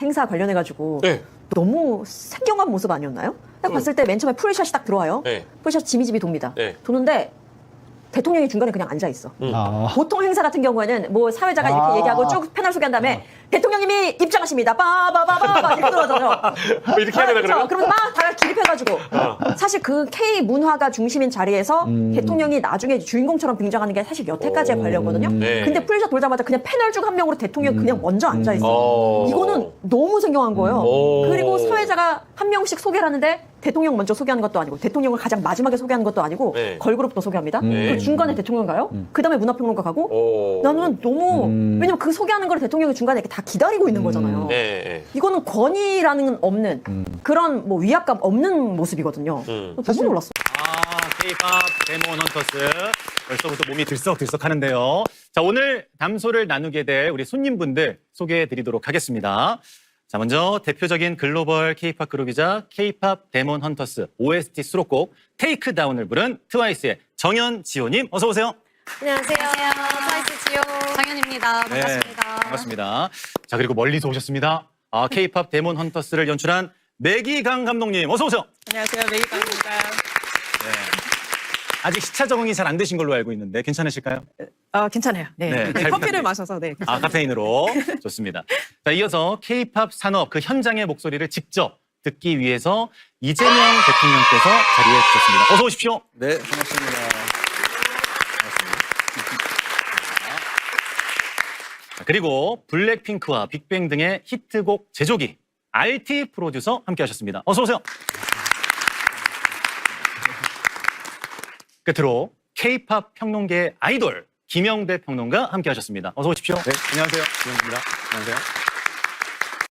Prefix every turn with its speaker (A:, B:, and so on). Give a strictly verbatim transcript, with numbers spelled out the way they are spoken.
A: 행사 관련해가지고
B: 네.
A: 너무 생경한 모습 아니었나요? 딱
B: 음.
A: 봤을 때 맨 처음에 풀샷이 딱 들어와요.
B: 네.
A: 풀샷 지미지미 돕니다.
B: 네.
A: 도는데 대통령이 중간에 그냥 앉아 있어.
B: 음.
C: 아.
A: 보통 행사 같은 경우에는 뭐 사회자가
C: 아.
A: 이렇게 얘기하고 쭉 패널 소개한 다음에 대통령님이 입장하십니다. 빠바바바바 이렇게 들어가잖아요.
B: 뭐 이렇게 해야 되나 그러면?
A: 그러면 막 다 기립해가지고
B: 어.
A: 사실 그 K 문화가 중심인 자리에서
C: 음.
A: 대통령이 나중에 주인공처럼 등장하는 게 사실 여태까지의
B: 오.
A: 관례거든요.
B: 네.
A: 근데 풀샷 돌자마자 그냥 패널 중 한 명으로 대통령 이 그냥 먼저 앉아 있어.
B: 어.
A: 이거는 너무 생경한 거예요.
B: 오.
A: 그리고 사회자가 한 명씩 소개를 하는데 대통령 먼저 소개하는 것도 아니고 대통령을 가장 마지막에 소개하는 것도 아니고
B: 네.
A: 걸그룹도 소개합니다.
B: 네.
A: 그리고 중간에 대통령 가요. 그 다음에 문화평론가 가고
B: 오.
A: 나는 너무
C: 음.
A: 왜냐면 그 소개하는 걸 대통령이 중간에 이렇게 다 기다리고 있는 거잖아요.
B: 네, 네.
A: 이거는 권위라는 없는 그런 뭐 위압감 없는 모습이거든요.
B: 음.
A: 너무 놀랐어.
C: 아, K-팝 데몬 헌터스. 벌써부터 몸이 들썩들썩 하는데요. 자, 오늘 담소를 나누게 될 우리 손님분들 소개해 드리도록 하겠습니다. 자, 먼저 대표적인 글로벌 K-팝 그룹이자 K-팝 데몬 헌터스 오에스티 수록곡 테이크다운을 부른 트와이스의 정연지호님 어서 오세요.
D: 안녕하세요. 트와이스 지호 정연입니다.
C: 네,
D: 반갑습니다.
C: 반갑습니다. 자, 그리고 멀리서 오셨습니다. 아, K-팝 데몬 헌터스를 연출한 매기강 감독님 어서 오세요.
E: 안녕하세요. 메이강입니다.
C: 네. 아직 시차 적응이 잘 안 되신 걸로 알고 있는데 괜찮으실까요?
E: 아, 괜찮아요. 네.
C: 네,
E: 네,
C: 잘
E: 커피를
C: 부탁드립니다.
E: 마셔서 네.
C: 아, 카페인으로. 좋습니다. 자, 이어서 K-팝 산업 그 현장의 목소리를 직접 듣기 위해서 이재명 대통령께서 자리해 주셨습니다. 어서 오십시오.
F: 네, 반갑습니다.
C: 자, 그리고 블랙핑크와 빅뱅 등의 히트곡 제조기 알티 프로듀서 함께 하셨습니다. 어서 오세요. 끝으로 K-팝 평론계의 아이돌 김영대 평론가 함께 하셨습니다. 어서 오십시오.
F: 네, 안녕하세요. 김영입니다. 안녕하세요.